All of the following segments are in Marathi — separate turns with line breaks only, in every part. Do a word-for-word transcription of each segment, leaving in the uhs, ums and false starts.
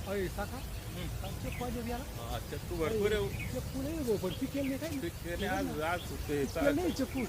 पैसा का चेक पाहिजे याला
हा, चक्कू भरपूर आहे.
चेक नाही गो पण पिकेल नाही काय
पिकेले आज आज सुट्टे
पिकेल नाही चेकू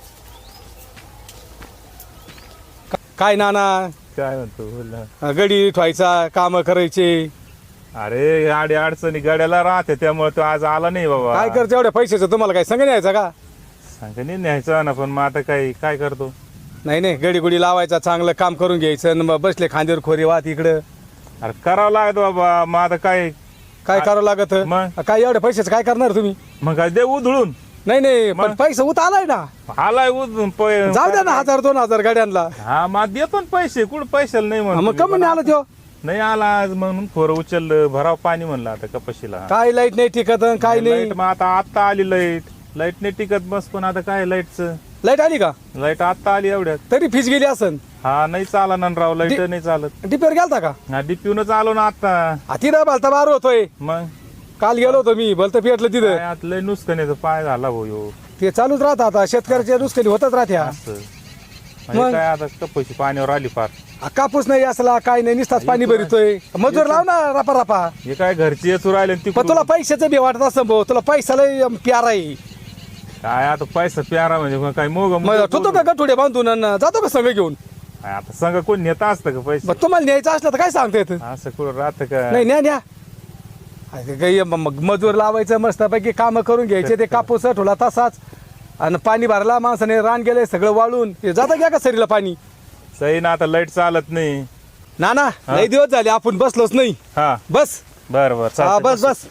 काय नाना
काय म्हणतो बोल ना.
गडी ठेवायचा काम करायचे
अरे आडी अडचणी गाड्याला राहते त्यामुळे तो आज आला नाही बाबा.
काय करते एवढ्या पैशाचं तुम्हाला काय संग न्यायचा का
सांगणे न्यायचं ना पण मग आता काय काय करतो.
नाही नाही गडी गुडी लावायचा चांगलं काम करून घ्यायचं आणि मग बसले खांद्यावर खोरी वाहत इकडं
अरे करावं लागत बाबा मग आता काय
काय करावं लागत
मग?
काय एवढ्या पैशाचं काय करणार तुम्ही
मग काय दे उधळून.
नाही नाही
मग?
पण पैसा उत आलाय ना
आलाय उधळून पै-
जाऊ द्या ना हजार दोन हजार गाड्यांना
हा मग देतो ना पैसे कुठं पैशाला नाही
मग
म्हणतो
कमी
मी.
आला त्यो
नाही आला आज म्हणून खोरं उचललं भराव पाणी म्हणलं आता कपाशीला.
काय लाईट नाही टिकत अन काय नाही
लाईट मग आता आत्ता आली लाईट लाईट नाही टिकत बस पण आता काय लाईटचं
लाईट आली का
लाईट आत्ता आली एवढ्यात.
तरी फीस गेली असन
हा नाही चाला ना राव लाईट
दि-
नाही चालत.
डिपेर गेलता का
हा डीपीनच आलो ना आता.
हाती ना बालता बार होतोय
मग
काल गेलो होतो मी भलतं पेटलं
काय
तिथं
आता लय नुसकानीचा पाय झाला भाऊ ह्यो.
ते चालूच राहत आता शेतकऱ्याच्या नुसतं होतच राहत्या
असं म्हणजे
मग?
काय आता कपाशी पाण्यावर आली फार.
आ, कापूस नाही असला काय नाही नुसताच पाणी भरितोय मजूर लाव ना रापा रापा
हे काय घरची येचू राहिले ती
पण तुला पैशाचं बी वाटत असं भाऊ तुला पैसा लय अम, प्यारा आहे
काय आता पैसा प्यारा म्हणजे मग काय मोग
मग ठेवतो का गठुडे बांधून अन जातो का संघ घेऊन
आता संघ कोण नेता असतं का पैसे
मग तुम्हाला न्यायचं असलं तर काय सांगता येतं
असं कुठं राहतं का.
नाही न्या न्या अरे काही म- मग मजूर लावायचं मस्तपैकी काम करून घ्यायचे ते कापूस ठोला तसाच आणि पाणी भरला माणसाने रान गेले सगळं वाळून हे जातं घ्या का सरीला पाणी
सही ना आता लाईट चालत नाही.
ना ना लई दिवस झाले आपण बसलोच नाही
हा
बस
बर बर
हा
चालतंय.
बस बस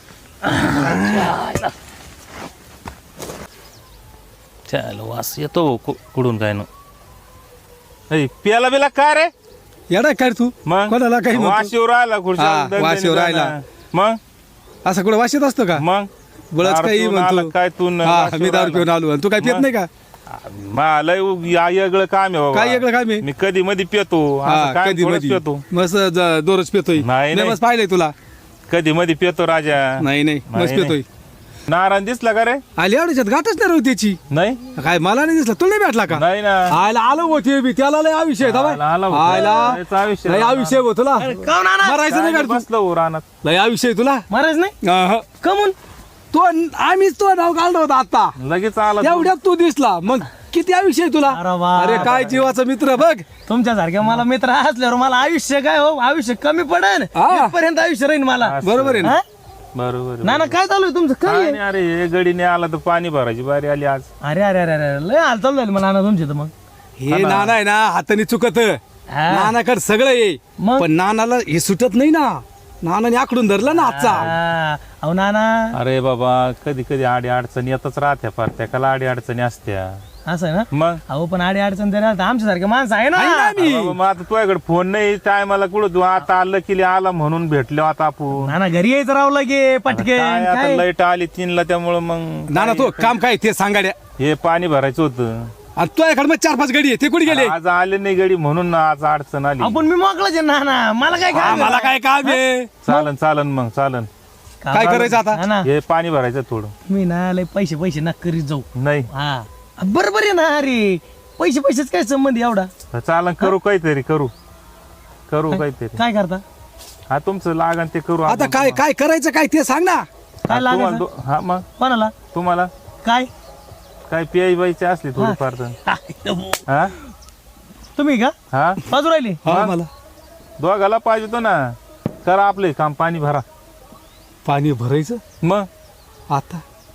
चल वास येतो कु- कुठून काय ना
ऐ, प्याला बिला काय रे
येडा काय तू
मग
कोणाला काही म्हणतो?
वाशीवर राहिला
हा,
खुर्च्या
वाशीवर राहिला.
मग
असं कुठं वाशीत असतो का
मग
बळच
दारू
काही
पिऊन आला
म्हणतो
काय तू न-
हा
वाशीवर
मी दारू
आला.
पिऊन आलो आणि तू काय पित
मग?
नाही का
मला वेगळं काम आहे बाबा.
काय वेगळं काम आहे?
मी कधी मध्ये पितो
हा
असं काय
कधी
थोडंच
मधी
पितो
मस्त ज- दररोज पितोय
नाही, नाही.
मस्त पाहिलंय तुला
कधी मध्ये पितो राजा.
नाही नाही
नाही,
मस्त पितोय
नारायण दिसला का रे
आली एवढ्याच्यात गाठच नाही राहू त्याची
नाही
काय मला नाही दिसला तुला नाही भेटला का
नाही ना
आयला आलो होते बी त्याला लय आयुष्य आहे
आला- आला होता.
आयला
लयच आयुष्य
लय
आहे.
आयुष्य आहे तुला मरायचं नाही
काय
का तू?
बसलो हो रानात.
लय आयुष्य आहे तुला
महाराज नाही
अहं.
कमून
तो आम्हीच तो नाव काढलं होतं आता
लगेच आला तू.
एवढ्यात तू दिसला मग किती आयुष्य आहे तुला
अरे वा.
अरे काय जीवाचा मित्र बघ
तुमच्यासारख्या मला मित्र असल्यावर मला आयुष्य काय हो आयुष्य कमी पडेल
हा.
पर्यंत आयुष्य राहील मला
असं.
बरोबर आहे ना
हा?
बरोबर आहे.
ना ना काय चालू आहे तुमचं काय
काय
आहे?
नाही अरे हे गडीने आला तर पाणी भरायची बारी आली आज.
अरे अरे अरे अरे लय हालचाल झाली मला ना तुमची तर मग
हे नाना आहे ना हाताने चुकत
हा.
नानाकडे सगळं ये
मग?
पण नानाला हे सुटत नाही ना नानाने आकडून धरलं ना आजचा
हा. अहो ना ना
अरे बाबा कधी कधी आडी अडचणी येतच राहत्या फार त्याला आडी अडचणी असत्या
असं आहे ना
मग
अहो पण आडी अडचण तरी आलं आमच्यासारखे माणसं आहे
आहे ना
ना
मी.
बाबा, मग आता तुझ्याकडे फोन नाही टायमाला कुठं तू आता आलं की आला म्हणून भेटलो आता आपण
ना ना घरी यायचं राव लगे पटके
काय आता लाईट आली तीनला त्यामुळं मग
नाना तो काम काय ते सांगाड्या
हे पाणी भरायचं होतं
आणि तुझ्याकडे मग चार पाच गडी आहे ते कुठे गेले
आज आले नाही गडी म्हणून आज अडचण आली
आपण मी मोकळाच आहे ना ना मला काय
हा,
काम
मला काय काम आहे
चालन चालन मग चालन
काय करायचं आता?
ना ना
हे पाणी भरायचं थोडं
मी ना लय पैसे पैसे ना करीत जाऊ
नाही
हा बरोबर आहे ना अरे पैसे पैसेच काय संबंध एवढा
चालन करू काहीतरी करू करू काहीतरी
काय करता
हा तुमचं लागन ते करू
आता
आपण.
काय काय करायचं काय ते सांग ना
काय
तुम्हाला
लागायचं
दो- हा मग
कोणाला
तुम्हाला
काय
काय पियाई बाईची असली थोडीफार तर हा
तुम्ही का
हा
बाजू राहिली
हा मला
दोघाला पाहिजे तो ना करा आपले काम पाणी भरा
पाणी भरायचं
मग
आता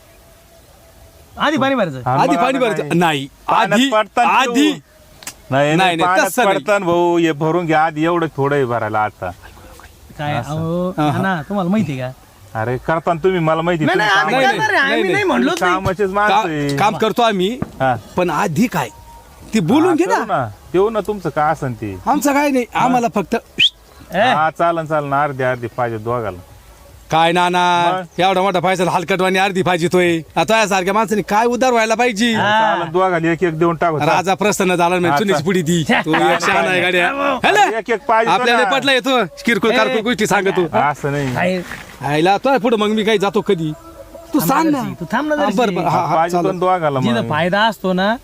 आधी पाणी भरायचं
हा,
आधी
मग
पाणी
आता
भरायचं
काय?
नाही
पाण्यात
आधी
पडताना
आधी
तू- नाही
नाही,
नाही
नाही,
पाण्यात
तसं नाही.
पडताना भाऊ हे भरून घ्या आधी एवढं थोडं हे भरायला आता
काय अहो ना तुम्हाला माहिती आहे का
अरे करताना तुम्ही मला माहिती
नाही
तुम्ही
नाही आम्ही
नाही,
करणार आहे,
नाही,
आम्ही
नाही.
नाही म्हणलोच नाही.
कामाचेच
का-
माणसं आहे.
काम करतो आम्ही
हा.
पण आधी काय ती बोलून
हा,
घे
करू
ना
ना देऊ ना तुमचं काय असन ते
आमचं काय नाही आम्हाला फक्त
ए,
हा चालन चालन अर्धी अर्धी पाहिजे दोघाला
काय नाना
मग?
एवढा मोठा पैसा हलकटवाणी अर्धी पाहिजे तोय आता सारख्या माणसाने काय उदार व्हायला पाहिजे
चालन दोघाला एक एक देऊन टाकू
राजा प्रसन्न झाला
हा,
म्हणजे चुनीची
चाल.
पुढी दी तू एक शहाणा आहे गाड्या
अरे,
हॅलो
एक एक पाहिजे तो
आपल्याला
ना.
पटला येतो किरकोळ
ए.
कारकोळ गोष्टी सांगतो
असं नाही
काय
आयला तो पुढे मग मी काही जातो कधी तू सांग ना
तू थांब ना
हा,
जराशी.
बरं बरं हा हा
पाहिजे
चालेल.
दोन दोघाला
जिथं
मग
फायदा असतो ना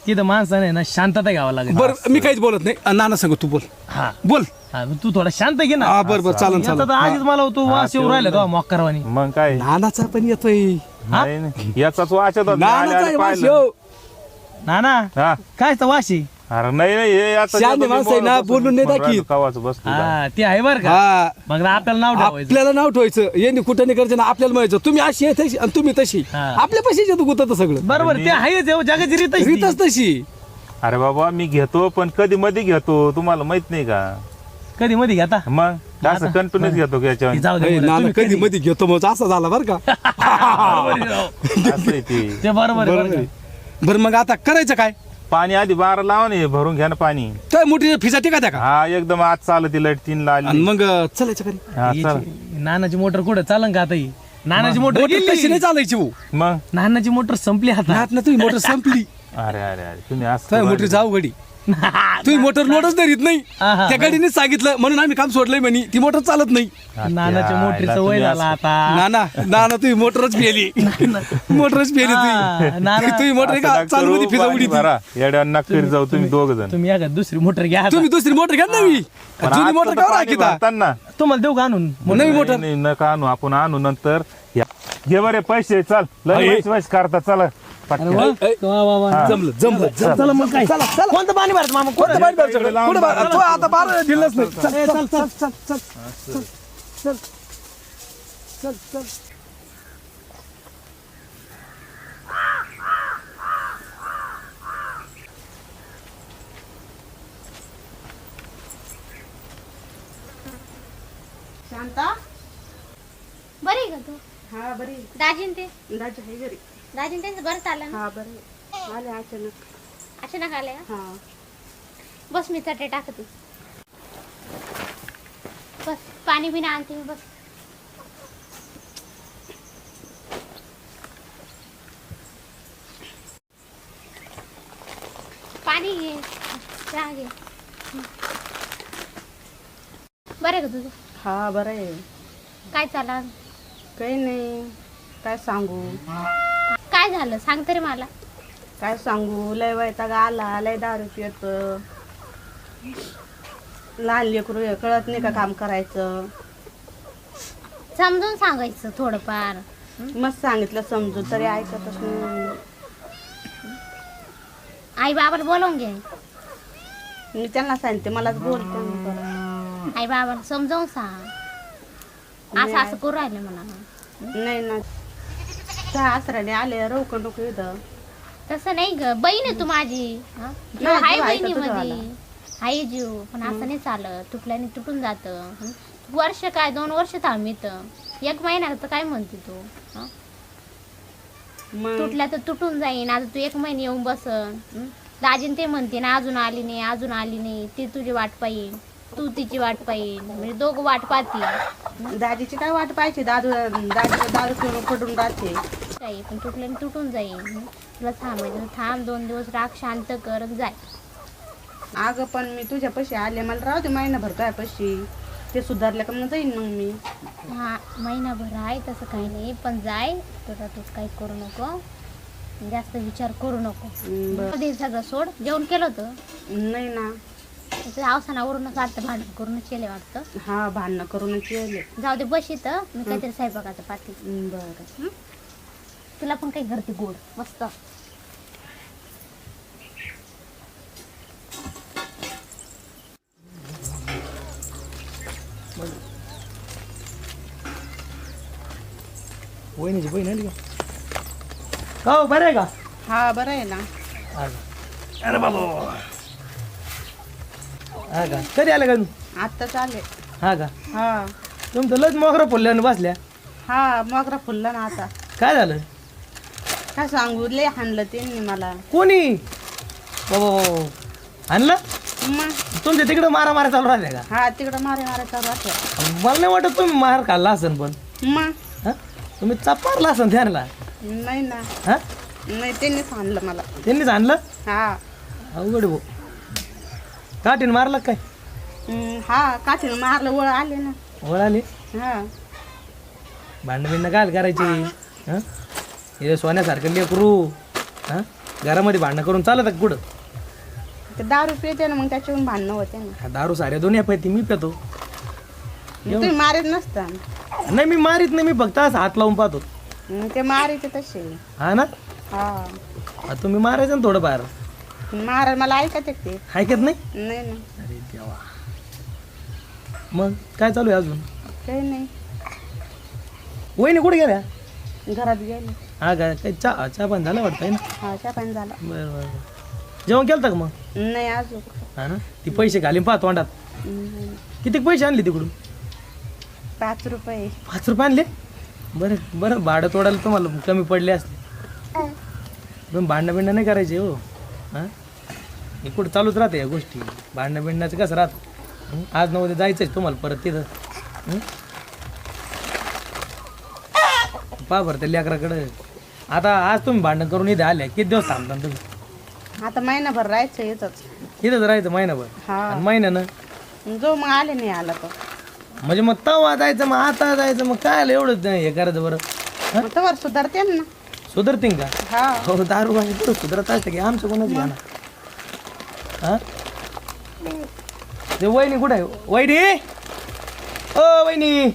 तिथं माणसाने ना शांतता घ्यावं लागेल.
बरं मी काहीच बोलत नाही अं, नाना सांग तू बोल
हा
बोल
हा, मग तू थोडा शांत घे ना.
हा बरं बरं चालन
याचा
चालन
तर आधीच मला तू वास येऊन राहिला तो मॉक्करवाणी.
मग काय
नानाचा पण येतोय
नाही नाही. याचाच वाचत होता. मी आले-
नानाचा
आले
वास
पाहिलं.
येऊ.
ना ना
हा
काय तर वाशी.
अरे नाही नाही हे आता
शहाणे
तुम्ही
माणसं आहे ना,
बोलत
बोलून नाही
बसून
दाखीत.
कवाचं बसतो जा.
हा ते आहे बरं का.
हा
मग आपल्याला नाव ठेवायचं.
आपल्याला नाव ठेवायचं यांनी कुठं नाही करायचं ना आपल्याला म्हणायचं तुम्ही अशी आहे तशी आणि तुम्ही तशी
हा.
आपल्या पैशाच येतो गुतत सगळं
बरोबर ते आहे जगाची रीत आहे ती.
रीतच तशी
अरे बाबा मी घेतो पण कधी मध्ये घेतो तुम्हाला माहित नाही का
कधी मध्ये घेता
मग असं कंटिन्यूच घेतो की याच्यावर
जाऊ दे
ए,
बरं,
नाना
तुम्ही
कधी मध्ये घेतो मग असं झाला बरं का
बरोबर आहे राव.
असं आहे ते.
ते बरोबर आहे
बरोबर
बरं
आहे.
का.
बरं मग आता करायचं काय
पाणी आधी बारा लावा ना हे भरून घ्या ना पाणी.
काय मोठी फिजा टिका त्या का
हा एकदम आज चालत लाईट तीन ला
आणि
आली
मग चालायचं कधी
हा चल
याची- नानाची मोटर कुठं चालन का आता ही? नानाची मोटर
मोटर कशी
गेली.
नाही चालायची हो
मग
नानाची
मोटर संपली आता.
ना तुम्ही मोटर संपली
अरे अरे अरे तुम्ही असं
काय मोटर जाऊ गडी तुम्ही मोटर लोडच धरीत नाही
आहा.
त्या गाडीने सांगितलं म्हणून आम्ही काम सोडलंय म्हणे ती मोटर चालत नाही
नानाच्या मोटरीचं वय झालं आता.
नाना नाना तुम्ही मोटरच पेली मोटरच पेली
हा, नाना.
तुम्ही तुम्ही मोटर का चालू मध्ये फिजा उडी
भरा येड्या नक्की जाऊ तुम्ही दोघ जण
तुम्ही या का दुसरी मोटर घ्या आता.
तुम्ही दुसरी मोटर घ्या नवी जुनी मोटर का राखी
भरताना
तुम्हाला देऊ का आणून.
नवी मोटर
नाही, नका आणू आपण आणू नंतर या. घे बरे पैसे चल लय
अरे.
पैसे पैसे करता चला
अरे वा, वा, वा, वा.
जमलं जमलं जमलं
चला मग काय कोणतं पाणी भरत मामा कोणतं पाणी भरत?
कुठं बा- तो आता बारा दिलंच नाही चल,
ए, चल चल
चल चल चल चल चल
शांता
बरी आहे का तू?
हा बरी
दाजीन ते
दाजी आहे घरी
दाजीन त्यांचं बरं चाललं ना?
हा बरी आले अचानक
अचानक आले का?
हा
बस मी चटे टाकते. बस पाणी बिना आणते मी बस. पाणी घे चहा घे. बरं आहे का तुझं?
हा बरं आहे
काय चाललं?
काही नाही काय सांगू
काय झालं सांग तरी मला.
काय सांगू लय वैताग आला लय दारू पित लहान लेकरू आहे, कळत नाही का काम करायचं.
समजून सांगायचं थोडंफार.
मस्त सांगितलं समजू तरी ऐकतच नाही.
आई बाबाला बोलावून घे.
मी त्यांना सांगते मलाच बोलते मी परत.
आई बाबाला समजावून सांग. असं असं करू राहिलं म्हणा.
नाही ना त्या आसराने आले रवक नको इथं.
तसं नाही ग बहीण आहे तू माझी. हा? जीव
नाही,
आहे
जीव आहे का
बहिणी
तुझा
मध्ये
वाला?
आहे जीव पण असं नाही चालत. तुटल्याने तुटून जात. वर्ष काय दोन वर्ष थांबित एक महिना तर काय म्हणते तू. हा?
मग
तुटल्या तर तुटून जाईन. आता तू एक महिने येऊन बसन. हं? दाजीन ते म्हणते ना अजून आली नाही अजून आली नाही. ती तुझी वाट पाहिजे तू तिची वाट पाहिजे म्हणजे दोघं वाट पाहतील.
दाजीची काय वाट पाहिजे दादू दाजी दारू पिऊन पडून राहते.
काही पण तुटल्याने तुटून जाईन. हं? तुला थांबायचं थांब दोन दिवस राग शांत कर जाय.
अगं पण मी तुझ्या पैसे आले मला राहू दे महिनाभर काय पैसे ते सुधारले का मग जाईन मग मी.
हा महिनाभर आहे तसं काही नाही पण जाय. तुला तू काही करू नको जास्त विचार करू नको.
हम्म, बरं.
कधी सगळं सोड. जेवण केलं होतं
नाही ना
अवसानावरूनच वाटतं भांडण करूनच केले वाटतं.
हा भांडणं करूनच येले.
जाऊ दे बस इथं मी काहीतरी स्वयंपाकाचं पाहते.
हम्म, बरं
तुला पण काही करते गोड मस्त.
वहिनीची बहीण आली का हो बरं आहे का.
हा बरं आहे ना.
अरे बाबा हा का कधी आलं का तू.
आत्ताच आले.
हा का
हा
तुमचं लच मोगरा फुलल्यानं बसल्या.
हा मोगरा फुलला ना आता.
काय झालं
काय सांगू लय हाणलं त्यांनी मला.
कोणी बाबा आणलं
मग
तुमच्या तिकडं मारा मारा चालू राहिल्या का.
हा तिकडं मारे मारे चालू असल्या.
मला नाही वाटत तुम्ही मार खाल्ला असन पण
मग
हा तुम्ही चपारला असन त्याला.
नाही ना
हा
नाही त्यांनीच आणलं मला.
त्यांनीच आणलं.
हा
अवघड भाऊ काठीन मारलं काय.
हम्म, हा काठीनं मारलं वळ आले ना.
वळ आली
हा
भांडण बिंड काय करायची. हा हे सोन्यासारखं लेकरू. हा घरामध्ये भांडणं करून चालत का कुठं?
ते दारू पिते ना मग त्याच्याहून भांडणं होते ना.
हा, दारू साऱ्या दोन्ही पाहिजे मी पितो.
मग तुम्ही मारीत नसता.
नाही मी मारीत नाही, मी फक्त असं हात लावून पाहतो.
मग ते मारीते तसे.
हा ना,
हा
हा, तुम्ही मारायचं ना थोडंफार.
मारा मला ऐकत आहे ते.
ऐकत नाही.
नाही ना
अरे देवा. मग काय चालू आहे अजून?
काही नाही.
वहिनी कुठे गेल्या?
घरात गेले.
हा काय काही चहा चहा पण झालं वाटतं ना?
हा चहा पाणी झाला.
बरं बरं. जेवण केलं का मग?
नाही अजून.
हा ना, ती पैसे घालीन पाहतो तोंडात.
हम्म.
किती पैसे आणले तिकडून?
पाच रुपये.
पाच रुपये आणले? बरं बरं, भाडं तोडायला तुम्हाला कमी पडले असते. पण भांडणं बिंडणं नाही करायचे हो. हां, हे कुठं चालूच राहते या गोष्टी. भांडणं बिंडणाचं कसं राहतं. हं? आज नव्हते जायचं आहे तुम्हाला परत तिथं. हं? पहा बरं त्या लेकराकडं. आता आज तुम्ही भांडण करून इथे आल्या, किती दिवस थांबता तुम्ही?
आता महिनाभर राहायचं येतच.
इथंच राहायचं महिनाभर.
हा
आणि महिन्यानं
जो मग आले नाही आला तो
म्हणजे मग तवा जायचं, मग आता जायचं, मग काय आलं एवढं हे करायचं बरं?
मग तवर सुधारते ना.
सुधरतील का?
हा
हो, दारू आणि पुढं सुधरत असतं की आमचं कोणाच गाणं. हा, ते वहिनी कुठं आहे? वहिनी, ओ वहिनी.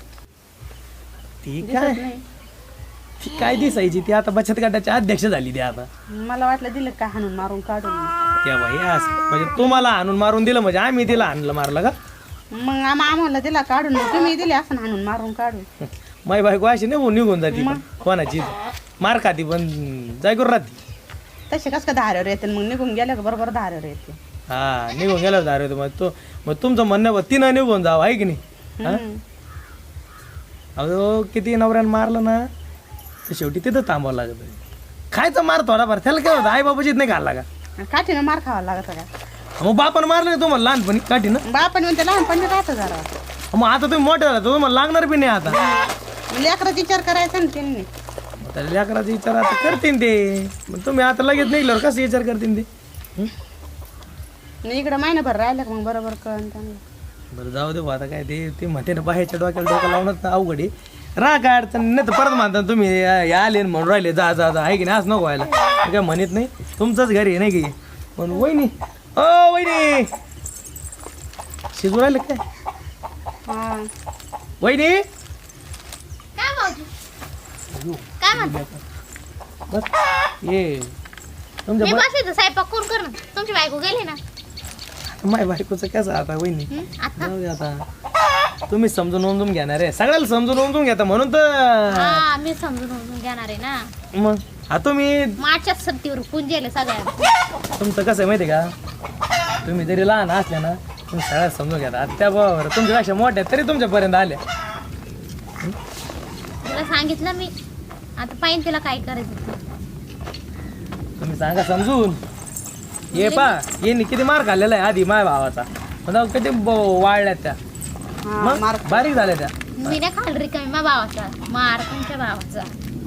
ती काय
दिसत नाही.
ती काय दिसायची? ती आता बचत गटाची अध्यक्ष झाली. ती आता
मला वाटलं दिलं का हाणून मारून काढून.
त्या बाई असं म्हणजे तुम्हाला आणून मारून दिलं म्हणजे आम्ही तिला आणलं मारलं का?
मग आम आम्हाला दिला काढून मग तुम्ही दिले असं हाणून मारून काढून.
माई बायको अशी निघून निघून जाते पण कोणाची मार खाती पण जायकून राहते.
तसे कस का धाऱ्यावर येते मग निघून गेले का बरोबर धाऱ्यावर येते.
हा, निघून गेला दारू होतो. मग तो मग तुमचं म्हणणं तिनं निघून जावं आहे की नाही? हा?
हम्म.
अहो किती नवऱ्यानं मारलं ना तर शेवटी तिथं थांबावं लागत. खायचं मार थोडाफार, त्याला काय होतं? आई बाबाचीच नाही घालला का?
काठीनं मार खावा लागत का?
मग बापानं मारलं नाही तुम्हाला लहानपणी काठीनं?
बापण म्हणते लहानपणी राहतं जरा.
मग आता तुम्ही मोठे झाला तर तुम्हाला लागणार बी नाही आता.
लेकराचा विचार करायचा ना त्यांनी.
मग त्या लेकराचा विचार आता करतीन ते. मग तुम्ही आता लगेच निघल्यावर कसं विचार करतीन ते? हं?
आणि इकडं महिनाभर राहिलं का मग बरोबर कळण त्यांना.
बरं जाऊ दे बुवा, आता काय ते ते म्हणते ना बाहेरच्या डोक्याला डोकं लावणं अवघड आहे. राहा काय अडचण नाही. तर परत म्हणता तुम्ही या आले न म्हणून राहिले जा जा जा आहे की नाही? असं नको व्हायला. मी काय म्हणत नाही, तुमचंच घरी आहे नाही की. पण वहिनी, ओ वहिनी, शिजू राहिले काय
हा
वहिनी?
काय भाऊजी काय म्हणतो?
बस ये तुमच्या
मी
ब-
बसायचं स्वयंपाक कोण कर ना. तुमची बायको गेली ना.
माय बायकोचं कसं आता वहिनी?
हं? आता
जाऊ दे आता, तुम्ही समजून ओमजून घेणार आहे. सगळ्याला समजून ओमजून घेता म्हणून तर.
हा मी समजून समजून घेणार आहे ना.
मग हा तुम्ही
मार्चच्या सत्तीवर पुंजेले सगळ्या.
तुमचं कसं आहे माहिती आहे का? तुम्ही जरी लहान असल्या ना तुम्ही सगळ्यात समजून घेता. आता त्या बरोबर तुमच्यापेक्षा मोठ्या तरी तुमच्यापर्यंत आल्या.
तिला सांगितलं मी आता पाहिजे तिला काय करायचं ते.
तुम्ही सांगा समजून. ये पा ये किती मार खाल्लेला आहे आधी माय भावाचा. पण किती ब- वाढल्यात त्या.
हा
मग
मार.
बारीक झाल्या त्या.
मी नाही खाल रिकामी मा भावाचा मार तुमच्या भावाचा.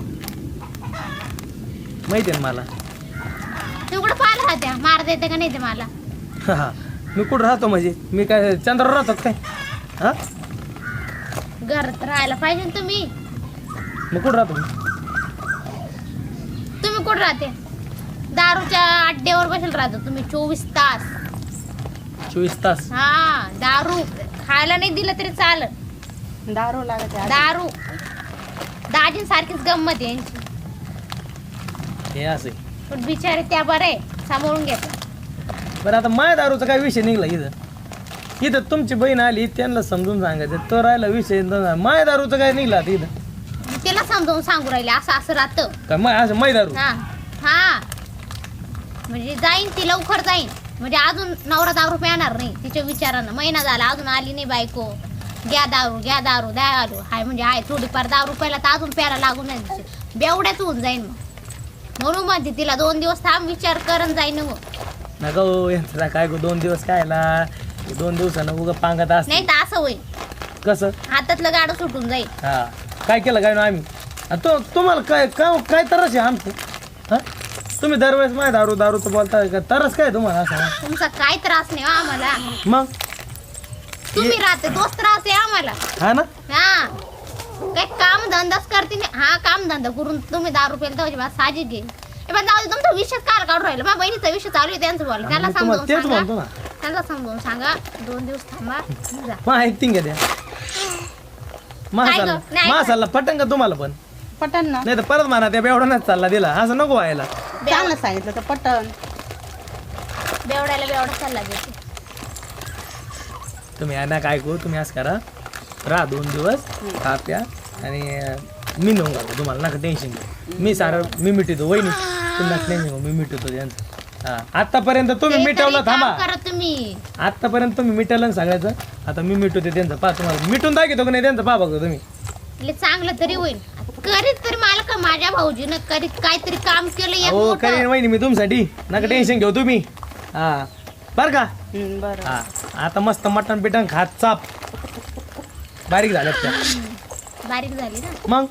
माहिती आहे ना मला.
तू कुठं पाहिला त्या मार देते का नाही ते मला.
हा, मी कुठं राहतो म्हणजे? मी काय चंद्रावर राहतो काय? हा,
घरात राहायला पाहिजे ना तुम्ही.
मग कुठं राहतो मी?
तुम्ही कुठं राहते? दारूच्या अड्ड्यावर बसेल राहतो तुम्ही चोवीस तास.
चोवीस तास.
हा दारू खायला नाही दिलं तरी चालत.
दारू लागत आहे.
दारू दाजीन सारखीच गंमत आहे यांची.
हे असं आहे.
पण बिचारे त्या बरे सांभाळून घेतात.
बरं आता माय दारूचा काय विषय निघला इथं? इथं तुमची बहीण आली त्यांना समजून सांगायचं तो राहिला विषय. माय दारूचं काय निघला आता इथं?
तिला समजावून सांगू राहिले असं असं राहतं.
काय माय असं माय दारू?
हा हा म्हणजे जाईन ती लवकर जाईन. म्हणजे अजून नवरा दारू येणार नाही तिच्या विचारानं. महिना झाला अजून आली नाही बायको. घ्या दारू घ्या दारू द्या दारू हाय म्हणजे आहे थोडीफार दारू प्यायला तर अजून प्यायला लागून नाही बेवड्याच होऊन जाईन मग. म्हणून म्हणते तिला दोन दिवस थांब विचार करून जाईन मग.
नका हो यांचा काय गो दोन दिवस काय ला दोन दिवसानं उगा पांगत असत.
नाही तर असं होईल
कसं?
हातातलं गाडं सुटून जाईल.
हा काय केलं काय ना आम्ही? आणि तो तुम्हाला काय काय काय तरच आहे आमचं? हा, तुम्ही दरवेळेस माय दारू दारू तर बोलता का? तरच काय तुम्हाला असं?
तुमचा काय त्रास नाही हो आम्हाला.
मग
तुम्ही राहते तोच त्रास आहे आम्हाला.
हा ना,
हा काय काम धंदाच करते नाही. हा काम धंदा करून तुम्ही दारू प्यायला तर साहजिक आहे. ए पण जाऊ दे, तुमचा विषय काल काढून राहिला माझ्या बहिणीचा विषय चालू आहे त्यांचं बोला त्याला
मी तुम्हाला
समजावून
तेच म्हणतो
सांगा
ना
त्यांना समजावून सांगा दोन दिवस थांबा जा.
मग ऐकतीन का त्या महासाला
गं? नाही
महासाला पटन का तुम्हाला पण
पटन ना
नाही तर परत म्हणा त्या बेवडानच चालला दिला असं नको व्हायला
चांगलं सांगितलं तर पटन.
बेवड्याला बेवडा चालला देते
तुम्ही ना काय करू तुम्ही असं करा राहा दोन दिवस खा प्या आणि अं, मी नेऊन घालतो तुम्हाला नका टेन्शन घेऊ मी सारं मी मिटवतो वहिनी तुम्ही नका टेन्शन घेऊ मी मिटवतो त्यांचं हा आतापर्यंत तुम्ही
ते
मिटवलं
तरी
थांबा
काम करा तुम्ही
आतापर्यंत तुम्ही मिटवलं ना सगळ्याचं आता मी मिटवते त्यांचं पा तुम्हाला मिटून दाखवतो का नाही त्यांचं पा बघतो तुम्ही
लय चांगलं तरी होईल करीत तरी मला का माझ्या भाऊजीनं करीत काहीतरी काम केलं एक
हो
मोठं.
करीन वहिनी मी तुमच्यासाठी नका टेन्शन घेऊ तुम्ही हा बरं का
हम्म, बरं
हा आता मस्त मटण पिटण खात चाप बारीक झाल्यात त्या
बारीक झाली ना
मग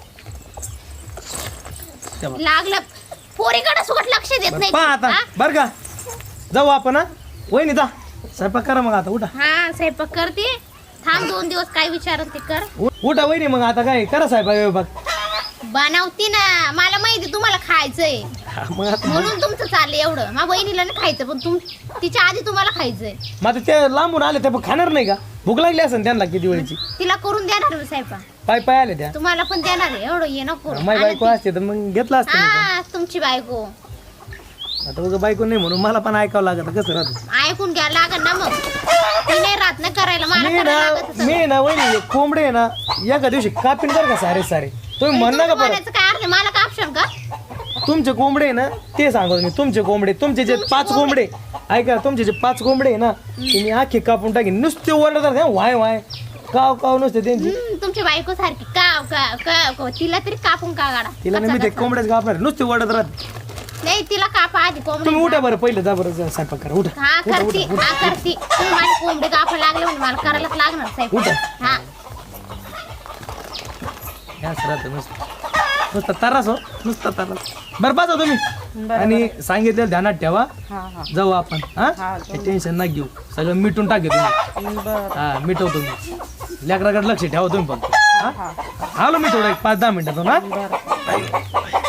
त्या बघ.
लागलं पोरीकडे सुगट लक्ष देत नाही
पहा आता
हा?
बर का जाऊ आपण हा वहिनी जा स्वयंपाक करा मग आता उठा
हा स्वयंपाक करते थांब दोन दिवस काय विचारत ते कर
उ- उठा वहिनी मग आता काय करा स्वयंपाक विभाग
बनवती ना मला माहिती तुम्हाला खायचंय
मग आता
म्हणून तुमचं चाललंय एवढं माझ्या बहिणीला नाही खायचं पण तुम तिच्या आधी तुम्हाला खायचंय
मग आता ते लांबून आले ते पण खाणार नाही का भूक लागली असेल त्यांना किती वेळची
तिला करून देणार मी स्वयंपाक
पाय पाय आले त्या
तुम्हाला पण देणार आहे एवढं ये नको
माझी बायको असते तर मग घेतला असतं मी
हा तुमची बायको
पण. आता उगा बायको नाही म्हणून मला पण ऐकावं लागत कसं राहतं
ऐकून घ्या लागल ना मग ती नाही राहत ना करायला मला
मी
करायला
ना
लागत
मी ना वहिनी कोंबडे आहे ना एका दिवशी कापीन कर का सारे सारे तुम्ही म्हणणार का परत
बोलायचं काय अर्थ आहे? मला का ऑप्शन का
तुमचे कोंबडे आहे ना ते सांगतो मी तुमचे कोंबडे तुमचे जे पाच कोंबडे ऐका तुमचे जे पाच कोंबडे आहे ना तुम्ही आखे कापून टाकीन नुसते ओरडतात ना वाय वाय काव काव नुसते त्यांची
हम्म, तुमची बायको सारखी काव काव काव काव. तिला तरी कापून का गाडा
तिला नाही मी ते कोंबड्याच कापणार नुसते ओरडत राहत
नाही तिला कापा आधी कोंबडी
तुम्ही उठा बरं पहिलं जा बरं जा स्वयंपाक करा उठा
हा
उठा
करती
उठा
हा करती तुम्ही माझी कोंबडी कापा लागले म्हणजे मला करायलाच लागणार साहेब
उठा.
हा
ह्याच राहतं नुसतं नुसतं तरास हो नुसतं तरास बरं बसा तुम्ही आणि सांगितलेलं ध्यानात ठेवा
हा हा
जाऊ आपण हा
हा,
टेन्शन ना घेऊ सगळं मिटून टाके तुम्ही
बरं
हा मिटवतो मी लेकराकडे लक्ष ठेवा तुम्ही फक्त हा आलो मी थोडं एक पाच दहा मिनिटातून हा
बरं